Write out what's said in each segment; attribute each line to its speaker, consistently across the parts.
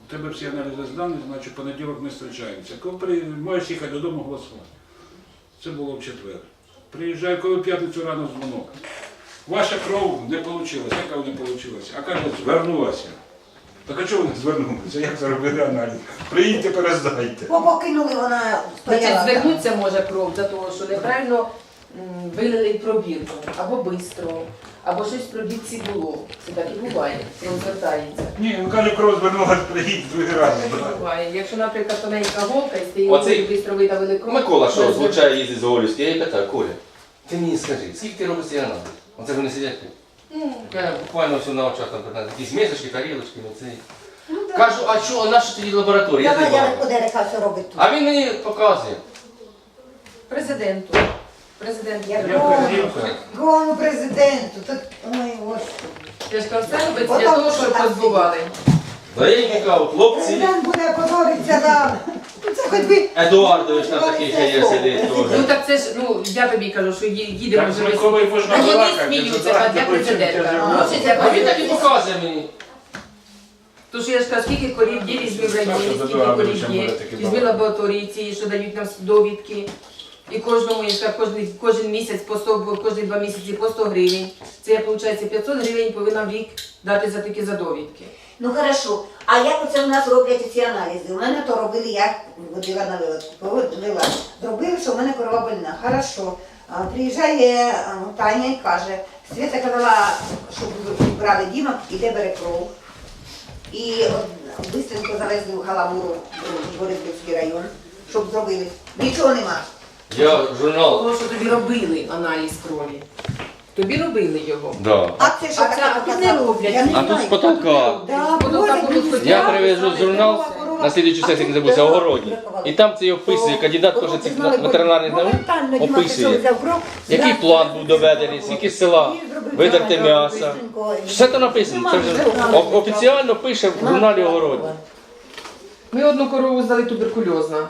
Speaker 1: У тебе всі аналізи здані, значить, в понеділок ми зустрічаємося. Коли можеш їхати додому голосувати. Це було в четвер. Приїжджаю, коли в п'ятницю рано дзвонок. Ваша кров не вийшла. Яка не вийшла? А каже, звернулася. Так а чого вони звернулися? Як зробили аналіз? Приїдьте, перездайте.
Speaker 2: Покинули, вона стояла.
Speaker 3: Звернуться може кров за того, що неправильно вилили пробірку, або швидко, або щось в пробірці було. Це так і буває, кров звертається.
Speaker 1: Ні, він каже, кров звернулася, приїдь другий раз.
Speaker 3: Так і буває. Якщо, наприклад, тоненька голка і стоїть,
Speaker 4: Оцей
Speaker 3: швидко видавили кров.
Speaker 4: Микола, що звучає, їздить з Голівської, я їй питаю, Коля, ти мені скажи, скільки ти робиш цей аналіз? Оце вони сидять. Я буквально все на очах там питаю, якісь мисочки, тарілочки, оцей. Кажу, а що, а наша тоді лабораторія?
Speaker 2: Давай, я подерека, що робить тут.
Speaker 4: А він мені показує.
Speaker 3: Президенту.
Speaker 2: Я
Speaker 3: Президенту.
Speaker 2: Кому президенту? Тут, ой, господи.
Speaker 3: Я ж кажу, це робиться для того, щоб позбували.
Speaker 4: Да я їм кажу, хлопці,
Speaker 2: Президент буде позоритися нам. Це хоч би...
Speaker 4: Едуардович там такий ще є сидить
Speaker 3: Ну
Speaker 4: теж.
Speaker 3: так це ж, ну я тобі кажу, що їдемо
Speaker 1: Так,
Speaker 3: вже
Speaker 1: з
Speaker 3: весь.
Speaker 1: Миколою можна
Speaker 3: А вони
Speaker 1: балакати,
Speaker 3: сміються,
Speaker 1: це
Speaker 3: для президента.
Speaker 1: так,
Speaker 3: Лучше для
Speaker 4: А він так і
Speaker 3: президента.
Speaker 4: показує мені.
Speaker 3: Тож я ж кажу, скільки корів є, візьми в районі, скільки корів є, візьми лабораторії ці, що дають нам довідки. І кожному, я ж кажу, кожен місяць, кожні 2 місяці по 100 гривень. Це я, виходить, 500 гривень повинна в рік дати за такі довідки.
Speaker 2: Ну хорошо, а як оце у нас роблять ці аналізи? У мене то робили, я водила на вивела. Зробили, що в мене корова больна. Хорошо. Приїжджає Таня і каже, Свята казала, щоб брали Діма, іде бере кров. І бистренько завезли в Галамуру, в Борисівський район, щоб зробили. Нічого нема.
Speaker 4: Я журнал.
Speaker 3: Тому що тобі робили аналіз крові. Тобі робили його.
Speaker 4: Да.
Speaker 2: А це що
Speaker 3: А
Speaker 2: таке
Speaker 3: це тут не
Speaker 2: показало?
Speaker 3: роблять.
Speaker 2: Я не
Speaker 4: А тут
Speaker 2: знаю.
Speaker 4: з потолка.
Speaker 2: Да,
Speaker 3: Потім
Speaker 2: Боже,
Speaker 3: там будуть
Speaker 2: мені
Speaker 4: Я
Speaker 2: страшно.
Speaker 4: привезу журнал на слідчу сесію, не забувся, огородні. І там це описує, кандидат теж цих ветеринарних наук описує, який план був доведений, скільки села, видерти м'яса. Все це написано. Це вже офіційно пише в журналі огородні.
Speaker 3: Ми одну корову здали туберкульозна.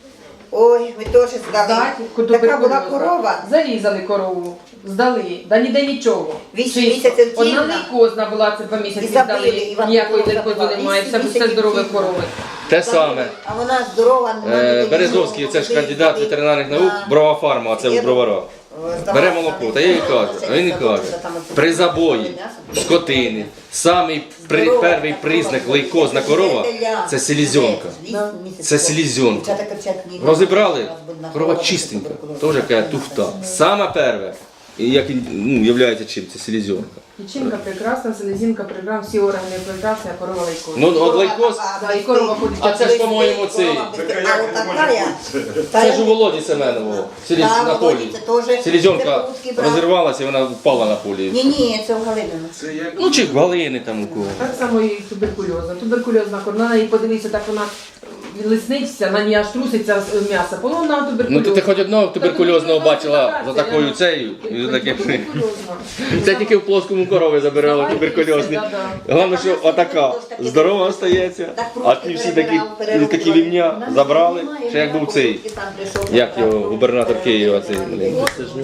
Speaker 2: Ой, ми теж здали. Така була корова.
Speaker 3: Зарізали корову, здали, да ніде нічого.
Speaker 2: 8
Speaker 3: Чисто.
Speaker 2: місяців
Speaker 3: Одна
Speaker 2: тільна.
Speaker 3: лейкозна була, це 2 місяці
Speaker 2: І забили,
Speaker 3: здали,
Speaker 2: і вам
Speaker 3: ніякої
Speaker 2: кров
Speaker 3: лейкози
Speaker 2: забила.
Speaker 3: немає,
Speaker 2: 8
Speaker 3: все
Speaker 2: місяців
Speaker 3: здорові
Speaker 2: тільна.
Speaker 3: корови.
Speaker 4: Те саме.
Speaker 2: А вона здорова.
Speaker 4: Березовський, це ж кандидат ветеринарних наук, Брова фарма, а це в Броварах. Бере молоко, та я їй кажу, а він і каже, при забої скотини, самий перший признак лейкозна корова – це селезенка. Це селезенка. Розібрали, корова чистенька, теж яка туфта. Саме перше, і як являється чим, це селезенка.
Speaker 3: Печінка прекрасна, селезінка прекрасна, всі органи прекрасні, а корова лейкозна.
Speaker 4: Ну от лейкоз,
Speaker 3: Да, і корова ходить.
Speaker 4: а це ж, по-моєму, цей,
Speaker 2: А от така
Speaker 4: це ж у Володі Семенового, на полі. Селезенка розірвалася і вона впала на полі.
Speaker 2: Ні, це в Галинину.
Speaker 1: Це як
Speaker 4: Ну чи галини там у кого.
Speaker 3: Так само і туберкульозна. Туберкульозна корова, на неї подивися, так вона лисниться, на ній аж труситься м'ясо. Вона туберкульозна.
Speaker 4: Ну ти хоч одного туберкульозного бачила за такою цею, і за таким.
Speaker 3: Туберкульозна.
Speaker 4: Це тільки в плоскому корові забирали туберкульозні. Головне, що отака здорова остається, а ті всі такі вівня забрали, ще як був цей, як його, губернатор Києва, цей, блін.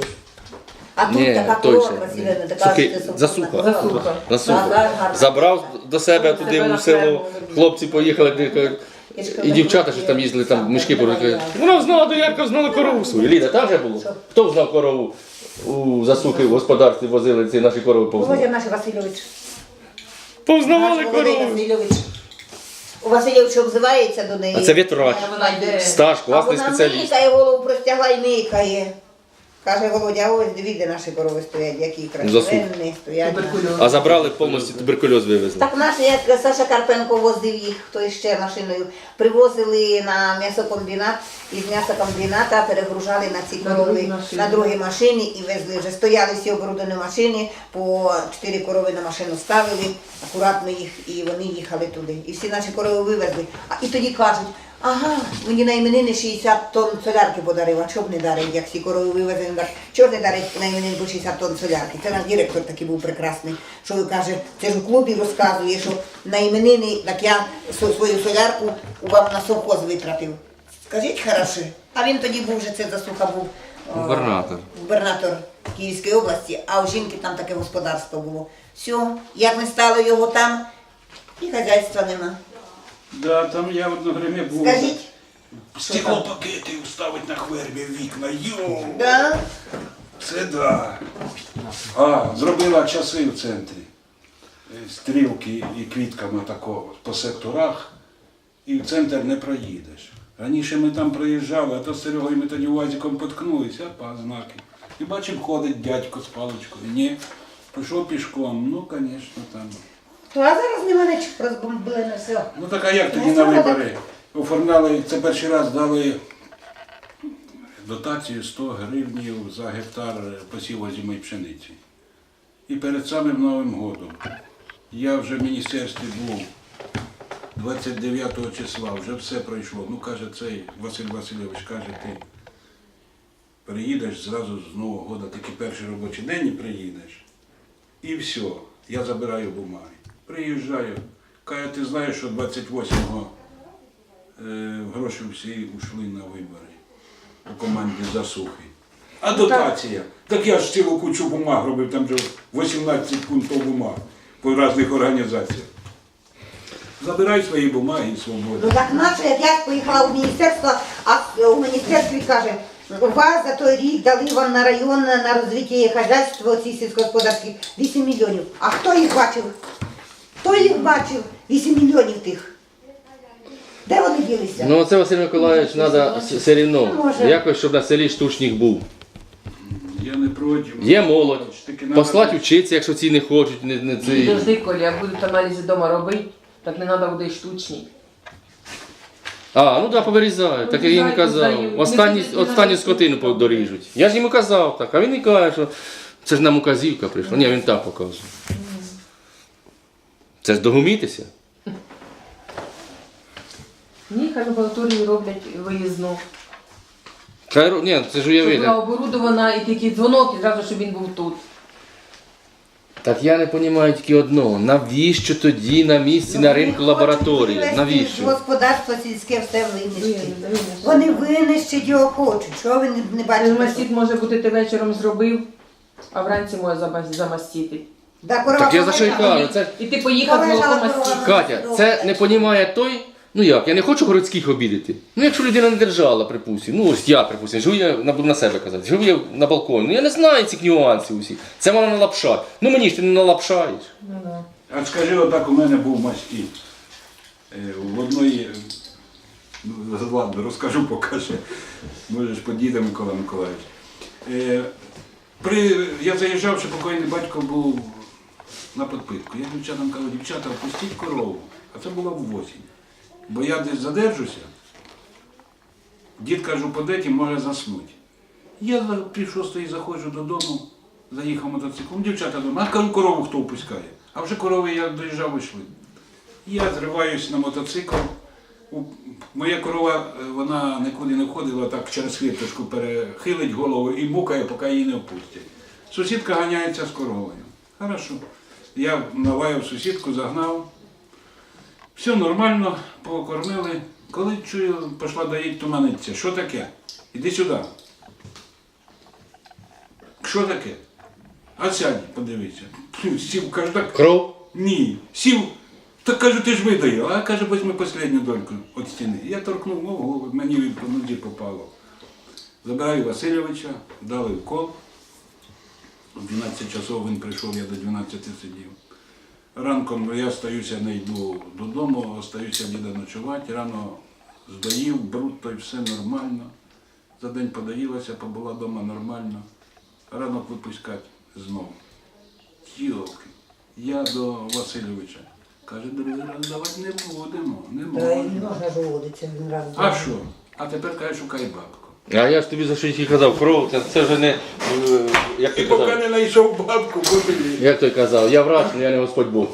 Speaker 2: А тут
Speaker 4: Ні,
Speaker 2: така
Speaker 4: той
Speaker 2: корова
Speaker 4: ще.
Speaker 2: красива, така
Speaker 4: Сухий,
Speaker 2: що це
Speaker 4: засуха.
Speaker 3: Засуха.
Speaker 4: Насуха. Забрав до себе туди у село, хлопці поїхали, і дівчата, що там їздили, там мішки порухали. Вона знала доярка, знала корову свою. Ліда, там вже було? Хто знав корову? У засухи в господарстві возили ці наші корови
Speaker 2: Володя
Speaker 4: повзнавали.
Speaker 2: наш Васильович.
Speaker 4: Повзнавали
Speaker 2: Наш Володя
Speaker 4: корову.
Speaker 2: Васильович. У Васильович обзивається до неї.
Speaker 4: А це вітрач,
Speaker 3: Вона йде.
Speaker 4: стаж,
Speaker 2: А
Speaker 4: класний
Speaker 2: вона
Speaker 4: спеціаліст.
Speaker 2: микає, голову простягла і микає. Каже Володя, ось дивіться, наші корови стоять, які красивенні стоять.
Speaker 3: Туберкульозна.
Speaker 4: А забрали повністю туберкульоз вивезли.
Speaker 2: Так наші, як Саша Карпенко возив їх, хто ще машиною, привозили на м'ясокомбінат, із м'ясокомбіната перегружали на ці корови на другій машині і везли. Вже стояли всі оборудовані машини, по 4 корови на машину ставили, акуратно їх, і вони їхали туди. І всі наші корови вивезли. І тоді кажуть, ага, мені на іменини 60 тонн солярки подарив, а чого б не дарить, як всі корови вивезли, чого ж не дарить на іменини по 60 тонн солярки. Це наш директор такий був прекрасний, що він каже, це ж у клубі розказує, що на іменини, так я свою солярку вам на совхоз витратив. Скажіть хороше. А він тоді був вже, це засуха був губернатор Київської області, а у жінки там таке господарство було. Все, як не стало його там, і хазяйства нема.
Speaker 1: Да, там я одно время був.
Speaker 2: Скажіть.
Speaker 1: Стеклопакети ставить на хвербі вікна. Йоу!
Speaker 2: Да?
Speaker 1: Це да. А, зробила часи в центрі. Стрілки і квітками такого по секторах. І в центр не проїдеш. Раніше ми там проїжджали, а то з Серегою ми тоді УАЗиком поткнулися, а знаки. І бачимо, ходить дядько з паличкою. Ні, пішов пішком. Ну, звісно, там.
Speaker 2: А зараз нема нічого, розбомбили на все.
Speaker 1: Ну так а як тоді на вибори? Оформляли, це перший раз дали дотацію 100 гривнів за гектар посіву озимої пшениці. І перед самим Новим годом я вже в міністерстві був 29 числа, вже все пройшло. Ну, каже, цей Василь Васильович, каже, ти приїдеш зразу з Нового года, тільки перший робочий день і приїдеш. І все, я забираю бумаги. Приїжджаю, каже, ти знаєш, що 28-го гроші всі ушли на вибори у команді Засухи. А дотація? Так я ж цілу кучу бумаг робив, там вже 18 пунктів бумаг по різних організаціях. Забирай свої бумаги і свободу.
Speaker 2: Ну так наше, як я поїхала у міністерство, а у міністерстві каже, у вас за той рік дали вам на район на розвиття хазяйства ці сільськогосподарські 8 мільйонів. А хто їх бачив? Хто їх бачив? 8 мільйонів тих. Де вони ділися?
Speaker 4: Ну це Василь Миколаївич треба все рівно.
Speaker 2: Може.
Speaker 4: Якось, щоб на селі штучник був.
Speaker 1: Я не проти.
Speaker 4: Є молодь.
Speaker 1: Таки надо-
Speaker 4: Послати вчитися, якщо ці не хочуть, не ці.
Speaker 3: Дожди, коли я будуть аналізи вдома робити, так не треба буде й штучні.
Speaker 4: А, ну так, повирізають, так я їм казав. Останню скотину доріжуть. Я ж йому казав так, а він і каже, що це ж нам указівка прийшла. Ні, він так показує. Це ж догумітися.
Speaker 3: Ні, хай лабораторію роблять виїзну.
Speaker 4: Ні, це ж
Speaker 3: Щоб
Speaker 4: уявити.
Speaker 3: була оборудована і тільки дзвонок, і зразу, щоб він був тут.
Speaker 4: Так я не розумію тільки одного. Навіщо тоді на місці, на ринку лабораторії? Навіщо?
Speaker 2: Господарство сільське все винищить. Вони винищать його хочуть. Що ви не бачите?
Speaker 3: Мастит може бути ти вечором зробив, а вранці може замастити.
Speaker 2: Да, корова
Speaker 4: Так я за що й
Speaker 2: полежала.
Speaker 4: кажу, це
Speaker 3: І ти поїхав з молоком мастити.
Speaker 4: Катя, це не розуміє той. Ну як, я не хочу городських обідати. Ну якщо людина не держала, припустимо, ну ось я, припустимо, живу я, буду на себе казати, живу я на балконі, ну я не знаю цих нюансів усіх. Це вона налапшать. Ну мені ж ти не налапшаєш.
Speaker 3: Ну, да.
Speaker 1: А скажи, отак у мене був мастіт. В одної, ладно, розкажу, покажу. Можеш подійти, Микола Миколаївич. Я заїжджав, що покойний батько був на підпитку. Я дівчатам кажу, дівчата, впустіть корову. А це було в осінь. Бо я десь задержуся, дід, кажу, подеті, може заснути. Я пів шостої заходжу додому, заїхав мотоциклом, дівчата дома, а кажу, корову хто впускає. А вже корови, я доїжджав, вийшли. Я зриваюсь на мотоцикл. Моя корова, вона нікуди не входила, так через хвірточку перехилить голову і мукає, поки її не впустять. Сусідка ганяється з коровою. Хорошо. Я налаяв сусідку, загнав. Все нормально, покормили. Коли чую, пішла доїть туманиться. Що таке? Іди сюди. Що таке? А сядь, подивися. Сів, кажу, так.
Speaker 4: Кров?
Speaker 1: Ні. Сів. Так кажу, ти ж видаєш. А каже, візьми останню дольку від стіни. Я торкнув ногу, мені по нозі попало. Забираю Васильовича, дали укол. В 12 часов він прийшов, я до 12 сидів. Ранком я остаюся, не йду додому, остаюся діда ночувати. Рано здоїв, бруд, то й все нормально. За день подоїлася, побула вдома нормально. Ранок випускати знову. Йолки, я до Васильовича. Каже, другий раз давати не будемо, не
Speaker 2: Та й не
Speaker 1: можна.
Speaker 2: можна ж уводитися він раз.
Speaker 1: А що? А тепер каже, шукай бабку.
Speaker 4: А я ж тобі за що тільки казав, кров, це вже не. Як
Speaker 1: І
Speaker 4: ти
Speaker 1: поки
Speaker 4: казав?
Speaker 1: не знайшов бабку, побили.
Speaker 4: Як той казав, я врач, але я не Господь Бог.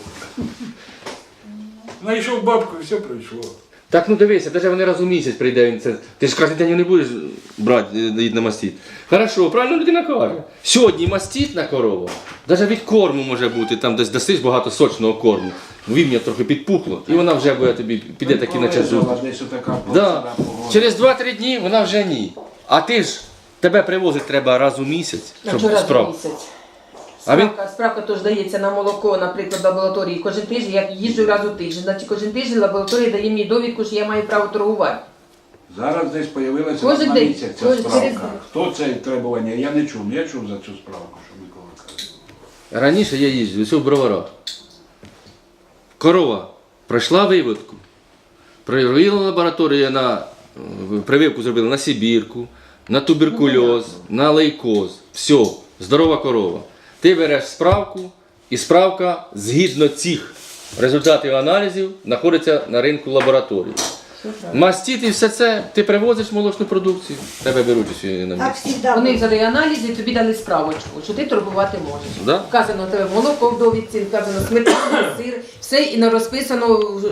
Speaker 1: Знайшов бабку, і все пройшло.
Speaker 4: Так, ну дивися, навіть вони раз у місяць прийде він це. Ти ж кожен день не будеш брати на мастит. Хорошо, правильно людина каже. Сьогодні мастит на корову, навіть від корму може бути, там десь дасиш багато сочного корму. Вівня трохи підпухло, і вона вже буде тобі, піде таки на час зустріч.
Speaker 1: Десь отака
Speaker 4: Да.
Speaker 1: погода.
Speaker 4: Через 2-3 дні вона вже ні. А ти ж, тебе привозити треба раз у місяць,
Speaker 3: А
Speaker 4: щоб
Speaker 3: вчора
Speaker 4: справ.
Speaker 3: місяць.
Speaker 4: А він
Speaker 3: Справка теж дається на молоко, наприклад, в лабораторії кожен тиждень, я їжджу раз у тиждень. Значить, кожен тиждень лабораторія дає мені довідку, що я маю право торгувати.
Speaker 1: Зараз десь з'явилася
Speaker 3: Кожен
Speaker 1: на
Speaker 3: день.
Speaker 1: місяць ця
Speaker 3: Кожен
Speaker 1: справка.
Speaker 3: через-
Speaker 1: Хто це требування? Я не чув. Я чув за цю справку, що Микола каже.
Speaker 4: раніше я їздив, ось у Броварах. Корова пройшла виводку. Провела лабораторія на прививку зробили на сибірку, на туберкульоз, на лейкоз. Все, здорова корова. Ти береш справку, і справка згідно цих результатів аналізів знаходиться на ринку лабораторії. Мастит і все це, ти привозиш молочну продукцію, тебе беруть усі на
Speaker 2: Так
Speaker 4: місці.
Speaker 2: завжди.
Speaker 3: Вони взяли аналізи і тобі дали справочку, що ти торгувати можеш.
Speaker 4: Да?
Speaker 3: Вказано у тебе молоко в довідці, вказано сметана, сир, все і розписано